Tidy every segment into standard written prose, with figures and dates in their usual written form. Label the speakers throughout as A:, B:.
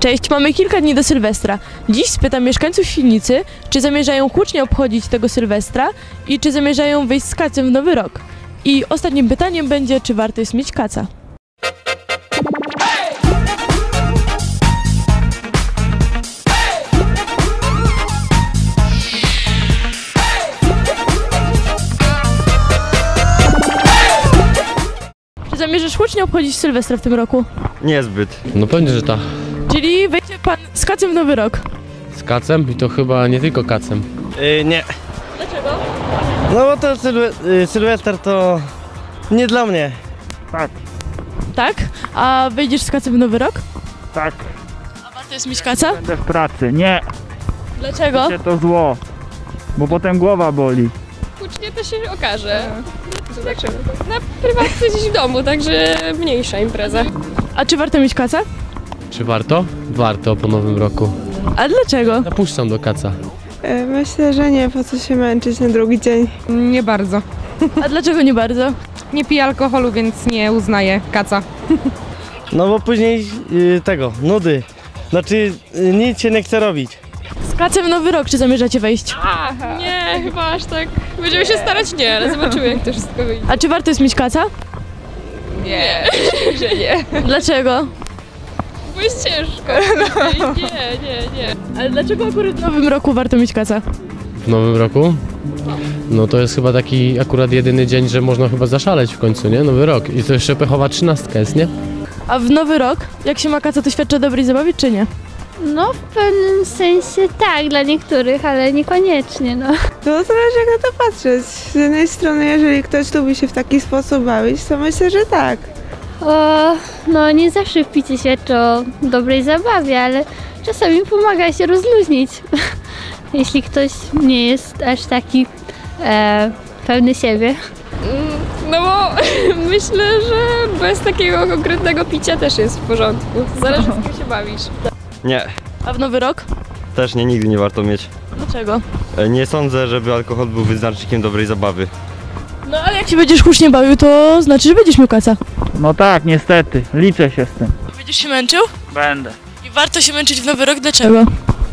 A: Cześć, mamy kilka dni do Sylwestra. Dziś spytam mieszkańców Świdnicy, czy zamierzają hucznie obchodzić tego Sylwestra i czy zamierzają wyjść z kacem w nowy rok. I ostatnim pytaniem będzie, czy warto jest mieć kaca. Czy zamierzasz hucznie obchodzić Sylwestra w tym roku?
B: Niezbyt.
C: No pewnie, że tak.
A: Czyli wejdzie pan z kacem w nowy rok.
C: Z kacem? I to chyba nie tylko kacem.
B: Nie.
A: Dlaczego?
B: No bo to Sylwester to nie dla mnie.
D: Tak,
A: Tak? A wyjdziesz z kacem w nowy rok?
D: tak,
A: A warto jest mieć kaca?
D: będę w pracy. Nie,
A: Dlaczego?
D: to zło, bo potem głowa boli.
E: Hucznie to się okaże. Zobaczymy. Na prywatce gdzieś w domu, także mniejsza impreza.
A: A czy warto mieć kaca?
C: Czy warto? Warto po nowym roku.
A: A dlaczego?
C: Napuszczam do kaca.
F: Myślę, że nie, po co się męczyć na drugi dzień.
G: Nie bardzo.
A: A dlaczego nie bardzo?
G: Nie piję alkoholu, więc nie uznaję kaca.
B: No bo później nudy. Znaczy nic się nie chce robić.
A: Z kacem w nowy rok, czy zamierzacie wejść?
E: Nie, chyba aż tak. Będziemy się starać, nie, ale zobaczymy, jak to wszystko wyjdzie.
A: A czy warto jest mieć kaca?
E: Nie, że nie.
A: Dlaczego?
E: Bo jest ciężko. Nie.
A: Ale dlaczego akurat w nowym roku warto mieć kaca?
C: W nowym roku? No to jest chyba taki akurat jedyny dzień, że można chyba zaszaleć w końcu, nie? Nowy rok. I to jeszcze pechowa 13 jest, nie?
A: A w nowy rok, jak się ma kaca, to świadczy o dobrej zabawie, czy nie?
H: No w pewnym sensie tak, dla niektórych, ale niekoniecznie, no.
F: To zależy jak na to patrzeć. Z jednej strony, jeżeli ktoś lubi się w taki sposób bawić, to myślę, że tak.
H: No nie zawsze picie świadczy o dobrej zabawie, ale czasami pomaga się rozluźnić. Jeśli ktoś nie jest aż taki pewny siebie.
E: No bo myślę, że bez takiego konkretnego picia też jest w porządku. Zależy, z kim się bawisz.
B: Nie.
A: A w nowy rok?
B: Też nie, nigdy nie warto mieć.
A: Dlaczego?
B: Nie sądzę, żeby alkohol był wyznacznikiem dobrej zabawy.
A: No ale jak się będziesz hucznie bawił, to znaczy, że będziesz miał kaca.
D: No tak, niestety, liczę się z tym.
A: Będziesz się męczył?
D: Będę.
A: I warto się męczyć w nowy rok, dlaczego?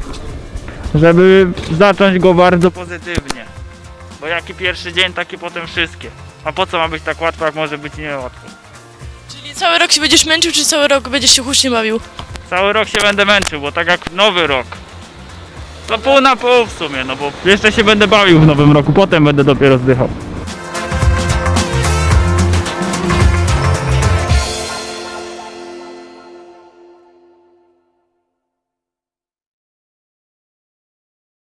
D: Żeby zacząć go bardzo pozytywnie. Bo jaki pierwszy dzień, taki potem wszystkie. A po co ma być tak łatwo, jak może być niełatwo?
A: Czyli cały rok się będziesz męczył, czy cały rok będziesz się hucznie bawił?
D: Cały rok się będę męczył, bo tak jak nowy rok. To pół na pół w sumie, no bo jeszcze się będę bawił w nowym roku, potem będę dopiero zdychał.